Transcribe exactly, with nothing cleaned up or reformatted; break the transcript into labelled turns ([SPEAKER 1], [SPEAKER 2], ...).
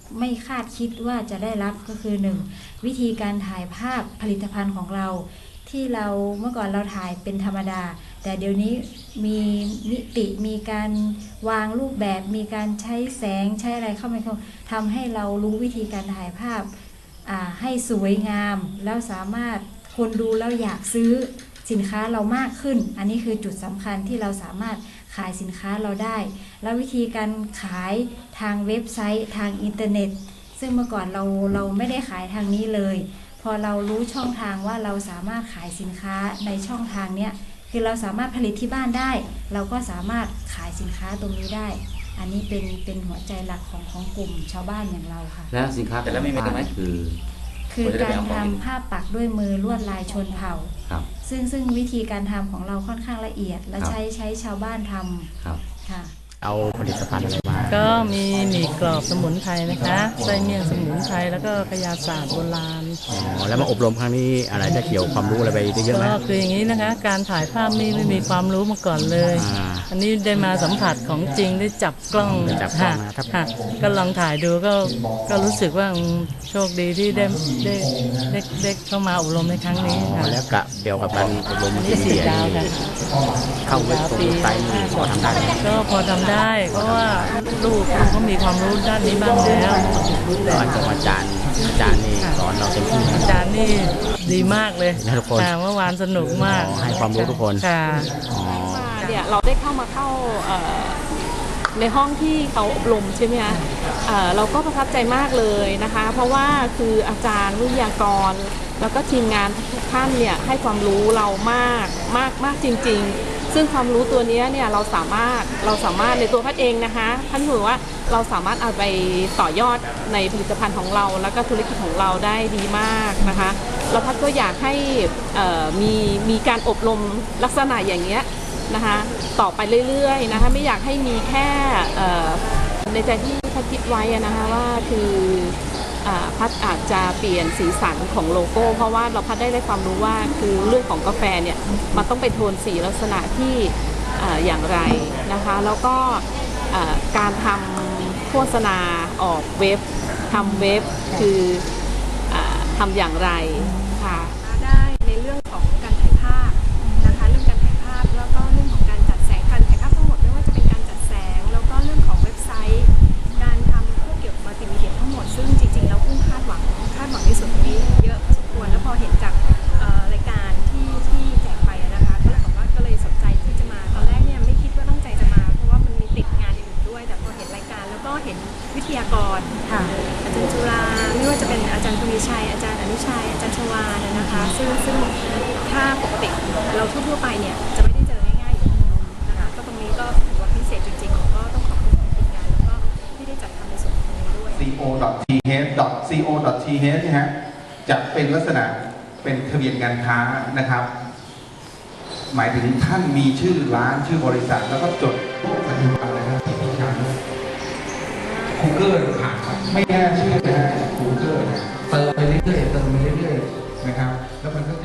[SPEAKER 1] ไม่คาดคิดว่าจะได้รับก็คือหนึ่งวิธีการถ่ายภาพผลิตภัณฑ์ของเราที่เราเมื่อก่อนเราถ่ายเป็นธรรมดาแต่เดี๋ยวนี้มีมิติมีการวางรูปแบบมีการใช้แสงใช้อะไรเข้ามาทำให้เรารู้วิธีการถ่ายภาพให้สวยงามแล้วสามารถคนดูแล้วอยากซื้อสินค้าเรามากขึ้นอันนี้คือจุดสำคัญที่เราสามารถขายสินค้าเราได้แล้ววิธีการขายทางเว็บไซต์ทางอินเทอร์เน็ตซึ่งเมื่อก่อนเราเราไม่ได้ขายทางนี้เลยพอเรารู้ช่องทางว่าเราสามารถขายสินค้าในช่องทางเนี้ยคือเราสามารถผลิตที่บ้านได้เราก็สามารถขายสินค้าตรงนี้ได้อันนี้เป็นเป็นหัวใจหลักของของกลุ่มชาวบ้านอย่างเราค่ะ
[SPEAKER 2] แล้วสินค้าแต่ละไม่เป็นไหมคือ
[SPEAKER 1] คือการทำภาพปักด้วยมือลวดลายชนเผ่าซึ่งซึ่งวิธีการทำของเราค่อนข้างละเอียดและใช้ใช้ชาวบ้านทำค่ะ
[SPEAKER 3] เอาผลิตภัณฑ์อะไรมา
[SPEAKER 4] ก็มีหมี่กรอบสมุนไพรนะคะไส้เมี่ยงสมุนไพรแล้วก็กระยาศาสตร์โบราณ
[SPEAKER 3] อ๋อแล้วมาอบรมครั้งนี้อะไรจะเกี่ยวความรู้อะไรไปได้เยอะไหม
[SPEAKER 4] ก็คืออย่างนี้นะคะการถ่ายภาพนี่ไม่มีความรู้มาก่อนเลยอันนี้ได้มาสัมผัสของจริงได้จับกล้อง
[SPEAKER 3] ค่ะ
[SPEAKER 4] ค่ะก็ลองถ่ายดูก็ก็รู้สึกว่าโชคดีที่ได้ได้ได้ได้เข้ามาอบรมในครั้งนี้ค่ะ
[SPEAKER 3] แล้วกับเกี่ยวกับการอบรม
[SPEAKER 4] นี่สี่ดาวค่ะ
[SPEAKER 3] เข้าเว็บไซต์พอทำได้
[SPEAKER 4] ก็พอทำได้เพราะว่าลูกเขามีความรู้ด้านนี้บ้างแล้ว
[SPEAKER 3] ก็อาจารย์อาจารย์อาจารย์นี่สอนเราเต็มที่
[SPEAKER 4] อาจารย์นี่ดีมากเลย
[SPEAKER 3] ทุกคน
[SPEAKER 4] เมื่อวานสนุกมาก
[SPEAKER 3] ให้ความรู้ทุกคน
[SPEAKER 4] ค่ะ
[SPEAKER 5] เนี่ยเราได้เข้ามาเข้าในห้องที่เขาอบรมใช่ไหมคะเราก็ประทับใจมากเลยนะคะเพราะว่าคืออาจารย์วิทยากรแล้วก็ทีมงานทุกท่านเนี่ยให้ความรู้เรามากมากมากจริงๆซึ่งความรู้ตัวนี้เนี่ยเราสามารถเราสามารถในตัวพัดเองนะคะท่านถือว่าเราสามารถเอาไปต่อยอดในผลิตภัณฑ์ของเราแล้วก็ธุรกิจของเราได้ดีมากนะคะแล้วพัดก็อยากให้มีมีการอบรมลักษณะอย่างเงี้ยนะคะต่อไปเรื่อยๆนะคะไม่อยากให้มีแค่ในใจที่พัดคิดไว้นะคะว่าคือพัดอาจจะเปลี่ยนสีสันของโลโก้เพราะว่าเราพัดได้ได้ความรู้ว่าคือเรื่องของกาแฟเนี่ยมันต้องเป็นโทนสีลักษณะที่อย่างไรนะคะแล้วก็การทำโฆษณาออกเว็บทำเว็บคือทำอย่างไรค่ะ
[SPEAKER 6] ได้ในเรื่องของการถ่ายภาพนะคะเรื่องการถ่ายภาพแล้วก็เรื่องของการจัดแสงการถ่ายภาพทั้งหมดไม่ว่าจะเป็นการจัดแสงแล้วก็เรื่องของเว็บไซต์การทำพวกเกี่ยวกับมัลติมีเดียทั้งหมดซึ่งจริงๆแล้วพุ่งคาดหวังคาดหวังในส่วนนี้เยอะพอสมควรแล้วพอเห็นจากรายการที่ที่แจกไปนะคะก็เลยบอกว่าก็เลยสนใจที่จะมาตอนแรกเนี่ยไม่คิดว่าตั้งใจจะมาเพราะว่ามันมีติดงานอื่นด้วยแต่พอเห็นรายการแล้วก็เห็นวิทยากรอาจารย์จุฬาไม่ว่าจะเป็นอาจารย์ทวีชัยอาจารย์อนุชัยอาจารย์ชวาเนี่ยนะคะซึ่งซึ่งถ้าปกติเราทั่วๆไปเนี่ยจะไม่ได้เจอง่ายๆอยู่นะคะก็ตรงนี้ก็ถือว่าพิเศษจริงๆก็ต้องขอบคุณทีมงานแล้วก็ที่ได้จัดทำในส่วนของนี้ด้วย
[SPEAKER 7] ซี โอ ดอท ที เอช ดอท ซี โอ ดอท ที เอช นะฮะจะเป็นลักษณะเป็นทะเบียนการค้านะครับหมายถึงท่านมีชื่อร้านชื่อบริษัทแล้วก็จดพวกปัจจุบันนะครับที่มีการคูเกอร์ผ่านไม่แน่ชื่อนะฮะคูเกอร์เติมไปเรื่อยๆเติมไปเรื่อยๆนะครับแล้วมันก็